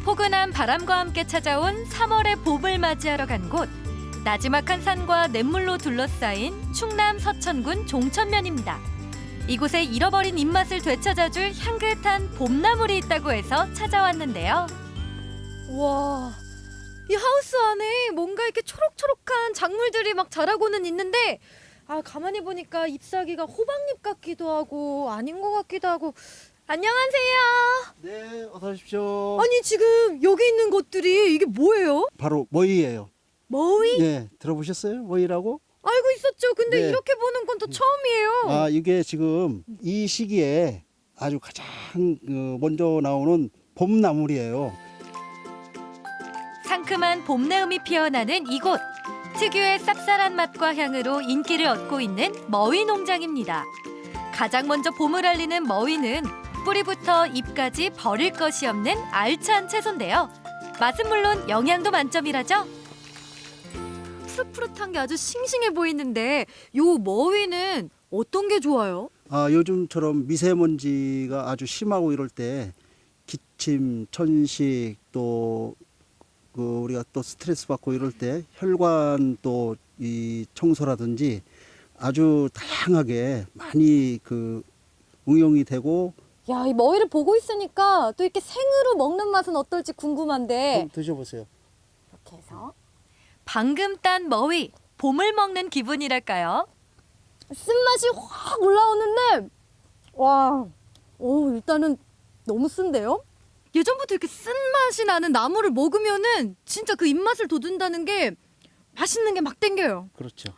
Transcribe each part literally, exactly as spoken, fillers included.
포근한 바람과 함께 찾아온 삼월의 봄을 맞이하러 간 곳. 나지막한 산과 냇물로 둘러싸인 충남 서천군 종천면입니다. 이곳에 잃어버린 입맛을 되찾아줄 향긋한 봄나물이 있다고 해서 찾아왔는데요. 와, 이 하우스 안에 뭔가 이렇게 초록초록한 작물들이 막 자라고는 있는데 아 가만히 보니까 잎사귀가 호박잎 같기도 하고 아닌 것 같기도 하고. 안녕하세요. 네, 어서 오십시오. 아니 지금 여기 있는 것들이 이게 뭐예요? 바로 머위예요. 머위? 네, 들어보셨어요? 머위라고? 알고 있었죠. 근데 네. 이렇게 보는 건 또 처음이에요. 아, 이게 지금 이 시기에 아주 가장 그 먼저 나오는 봄나물이에요. 상큼한 봄내음이 피어나는 이곳. 특유의 쌉쌀한 맛과 향으로 인기를 얻고 있는 머위 농장입니다. 가장 먼저 봄을 알리는 머위는 뿌리부터 잎까지 버릴 것이 없는 알찬 채소인데요. 맛은 물론 영양도 만점이라죠. 푸릇푸릇한 게 아주 싱싱해 보이는데 요 머위는 어떤 게 좋아요? 아, 요즘처럼 미세먼지가 아주 심하고 이럴 때 기침, 천식 또 그 우리가 또 스트레스 받고 이럴 때 혈관 또 이 청소라든지 아주 다양하게 많이 그 응용이 되고. 야, 이 머위를 보고 있으니까 또 이렇게 생으로 먹는 맛은 어떨지 궁금한데. 한번 드셔보세요. 이렇게 해서 방금 딴 머위, 봄을 먹는 기분이랄까요? 쓴맛이 확 올라오는데 와, 오 일단은 너무 쓴데요? 예전부터 이렇게 쓴맛이 나는 나물을 먹으면은 진짜 그 입맛을 돋운다는 게 맛있는 게 막 땡겨요. 그렇죠.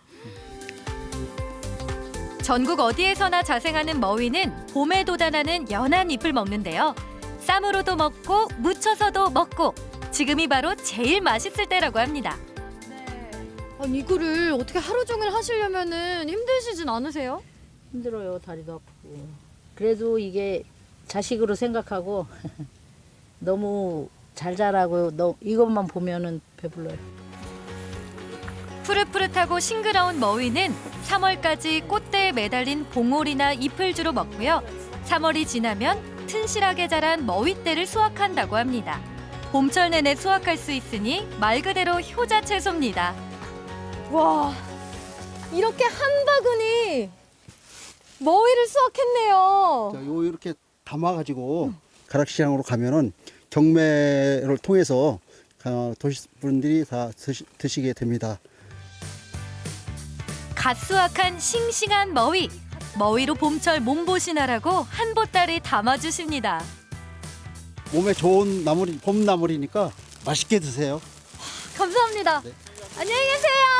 전국 어디에서나 자생하는 머위는 봄에 돋아나는 연한 잎을 먹는데요. 쌈으로도 먹고 무쳐서도 먹고 지금이 바로 제일 맛있을 때라고 합니다. 아니 이거를 어떻게 하루 종일 하시려면은 힘드시진 않으세요? 힘들어요. 다리도 아프고. 그래도 이게 자식으로 생각하고 너무 잘 자라고 너 이것만 보면은 배불러요. 푸릇푸릇하고 싱그러운 머위는 삼월까지 꽃대에 매달린 봉오리나 잎을 주로 먹고요. 삼월이 지나면 튼실하게 자란 머위대를 수확한다고 합니다. 봄철 내내 수확할 수 있으니 말 그대로 효자 채소입니다. 와, 이렇게 한 바구니 머위를 수확했네요. 자, 요 이렇게 담아가지고 가락시장으로 가면은 경매를 통해서 어, 도시 분들이 다 드시, 드시게 됩니다. 갓 수확한 싱싱한 머위. 머위로 봄철 몸보신하라고 한 보따리 담아주십니다. 몸에 좋은 나물이 봄나물이니까 맛있게 드세요. 감사합니다. 네. 안녕히 계세요.